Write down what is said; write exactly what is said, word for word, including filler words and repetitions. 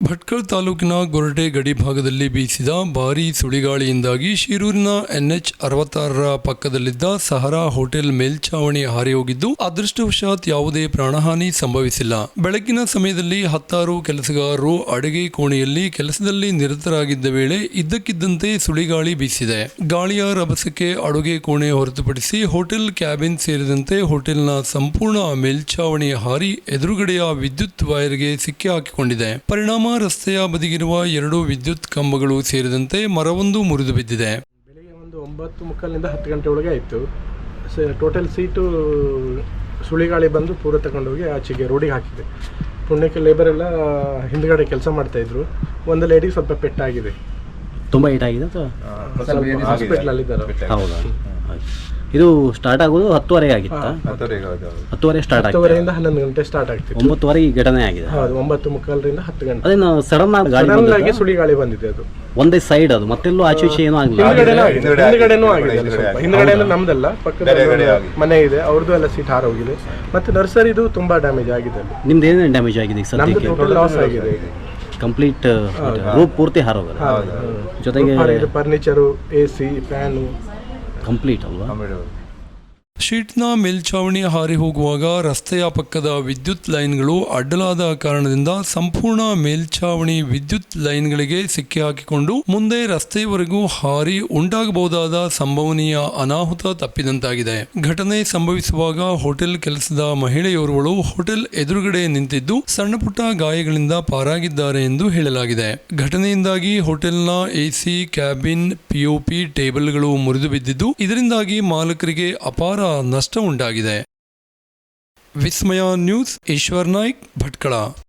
ಭಟ್ಕಳ ತಾಲೂಕಿನ ಗೊರಟೆ ಗಡಿ ಭಾಗದಲ್ಲಿ ಬೀಸಿದ ಭಾರೀ ಸುಳಿಗಾಳಿಯಿಂದಾಗಿ ಶಿರೂರಿನ ಎನ್ಎಚ್ ಅರವತ್ತಾರರ ಪಕ್ಕದಲ್ಲಿದ್ದ ಸಹರಾ ಹೋಟೆಲ್ ಮೇಲ್ಛಾವಣಿ ಹಾರಿ ಹೋಗಿದ್ದು ಅದೃಷ್ಟವಶಾತ್ ಯಾವುದೇ ಪ್ರಾಣಹಾನಿ ಸಂಭವಿಸಿಲ್ಲ. ಬೆಳಗಿನ ಸಮಯದಲ್ಲಿ ಹತ್ತಾರು ಕೆಲಸಗಾರರು ಅಡುಗೆ ಕೋಣೆಯಲ್ಲಿ ಕೆಲಸದಲ್ಲಿ ನಿರತರಾಗಿದ್ದ ವೇಳೆ ಇದ್ದಕ್ಕಿದ್ದಂತೆ ಸುಳಿಗಾಳಿ ಬೀಸಿದೆ. ಗಾಳಿಯ ರಭಸಕ್ಕೆ ಅಡುಗೆ ಕೋಣೆ ಹೊರತುಪಡಿಸಿ ಹೋಟೆಲ್ ಕ್ಯಾಬಿನ್ ಸೇರಿದಂತೆ ಹೋಟೆಲ್ನ ಸಂಪೂರ್ಣ ಮೇಲ್ಛಾವಣಿ ಹಾರಿ ಎದುರುಗಡೆಯ ವಿದ್ಯುತ್ ವೈರ್ಗೆ ಸಿಕ್ಕಿ ಹಾಕಿಕೊಂಡಿದೆ. ಪರಿಣಾಮ ರಸ್ತೆಯ ಬದಿಗಿರುವ ಎರಡು ವಿದ್ಯುತ್ ಕಂಬಗಳು ಸೇರಿದಂತೆ ಮರವೊಂದು ಮುರಿದು ಬಿದ್ದಿದೆ. ಬೆಳಿಗ್ಗೆ ಒಂದು ಒಂಬತ್ತು ಮುಕ್ಕಾಲಿನಿಂದ ಹತ್ತು ಗಂಟೆ ಒಳಗೆ ಆಯಿತು. ಟೋಟಲ್ ಸೀಟು ಸುಳಿಗಾಳಿ ಬಂದು ಪೂರ ತಗೊಂಡೋಗಿ ಆಚೆಗೆ ರೋಡಿಗೆ ಹಾಕಿದೆ. ಪುಣ್ಯಕ್ಕೆ ಲೇಬರ್ ಎಲ್ಲ ಹಿಂದ್ಗಡೆ ಕೆಲಸ ಮಾಡ್ತಾಯಿದ್ರು. ಒಂದು ಲೇಡಿಗೆ ಸ್ವಲ್ಪ ಪೆಟ್ಟಾಗಿದೆ. ತುಂಬ ಏಟ್ ಆಗಿದೆ ಹಾಸ್ಪಿಟ್ಲಲ್ಲಿದ್ದಾರೆ. ಹೌದಾ? ಇದು ಸ್ಟಾರ್ಟ್ ಆಗೋದು ಹತ್ತುವರೆಗೆ ಆಗಿತ್ತಾ? ಹತ್ತುವರೆ ಸ್ಟಾರ್ಟ್ ಆಗಿದೆ. ಹತ್ತುವರೆಯಿಂದ ಹನ್ನೊಂದು ಗಂಟೆ ಸ್ಟಾರ್ಟ್ ಆಗ್ತಿತ್ತು. ಒಂಬತ್ತುವರೆ ಈ ಘಟನೆ ಆಗಿದೆ. ಹೌದು, ಒಂಬತ್ತು ಮುಕ್ಕಾಲರಿಂದ ಹತ್ತು ಗಂಟೆ. ಅದೇನು ಸಡನ್ ಆಗಿ ಗಾಳಿ ಸಡನ್ ಆಗಿ ಸುಳಿಗಾಳಿ ಬಂದಿದೆ. ಅದು ಒಂದೇ ಸೈಡ್, ಅದು ಮತ್ತೆಲ್ಲೂ ಆಚೆ ಈಚೆ ಏನೂ ಆಗಿಲ್ಲ. ಹಿಂದ್ಗಡೆನೂ ಆಗಿದೆ. ಸ್ವಲ್ಪ ಹಿಂದ್ಗಡೆ ಎಲ್ಲ ನಮ್ದಲ್ಲ, ಪಕ್ಕದ ಮನೆ ಇದೆ, ಅವ್ರದ್ದು ಎಲ್ಲ ಸೀಟ್ ಹಾರೋಗಿದೆ. ಮತ್ತೆ ನರ್ಸರಿದು ತುಂಬಾ ಡ್ಯಾಮೇಜ್ ಆಗಿದೆ. ನಿಮ್ದು ಏನೇನು ಡ್ಯಾಮೇಜ್ ಆಗಿದೆ ಈಗ ನಮ್ದು ಸದ್ಯಕ್ಕೆ? ಟೋಟಲ್ ಲಾಸ್ ಆಗಿದೆ. ಕಂಪ್ಲೀಟ್ ರೂಪ್ ಪೂರ್ತಿ ಹಾರೋಗಲ್ಲ, ಜೊತೆಗೆ furniture, A C, fan complete ಅಲ್ವಾ? ಶೀಟ್ನ ಮೇಲ್ಛಾವಣಿ ಹಾರಿ ಹೋಗುವಾಗ ರಸ್ತೆಯ ಪಕ್ಕದ ವಿದ್ಯುತ್ ಲೈನ್ಗಳು ಅಡ್ಡಲಾದ ಕಾರಣದಿಂದ ಸಂಪೂರ್ಣ ಮೇಲ್ಛಾವಣಿ ವಿದ್ಯುತ್ ಲೈನ್ಗಳಿಗೆ ಸಿಕ್ಕಿ ಹಾಕಿಕೊಂಡು ಮುಂದೆ ರಸ್ತೆಯವರೆಗೂ ಹಾರಿ ಉಂಟಾಗಬಹುದಾದ ಸಂಭವನೀಯ ಅನಾಹುತ ತಪ್ಪಿದಂತಾಗಿದೆ. ಘಟನೆ ಸಂಭವಿಸುವಾಗ ಹೋಟೆಲ್ ಕೆಲಸದ ಮಹಿಳೆಯೋರ್ವಳು ಹೋಟೆಲ್ ಎದುರುಗಡೆ ನಿಂತಿದ್ದು ಸಣ್ಣ ಪುಟ್ಟ ಗಾಯಗಳಿಂದ ಪಾರಾಗಿದ್ದಾರೆ ಎಂದು ಹೇಳಲಾಗಿದೆ. ಘಟನೆಯಿಂದಾಗಿ ಹೋಟೆಲ್ನ ಎಸಿ, ಕ್ಯಾಬಿನ್, ಪಿಒಪಿ ಟೇಬಲ್ಗಳು ಮುರಿದು ಬಿದ್ದಿದ್ದು ಇದರಿಂದಾಗಿ ಮಾಲಕರಿಗೆ ಅಪಾರ ನಷ್ಟ ಉಂಟಾಗಿದೆ. ವಿಸ್ಮಯ ನ್ಯೂಸ್, ಈಶ್ವರ್ ನಾಯ್ಕ್, ಭಟ್ಕಳ.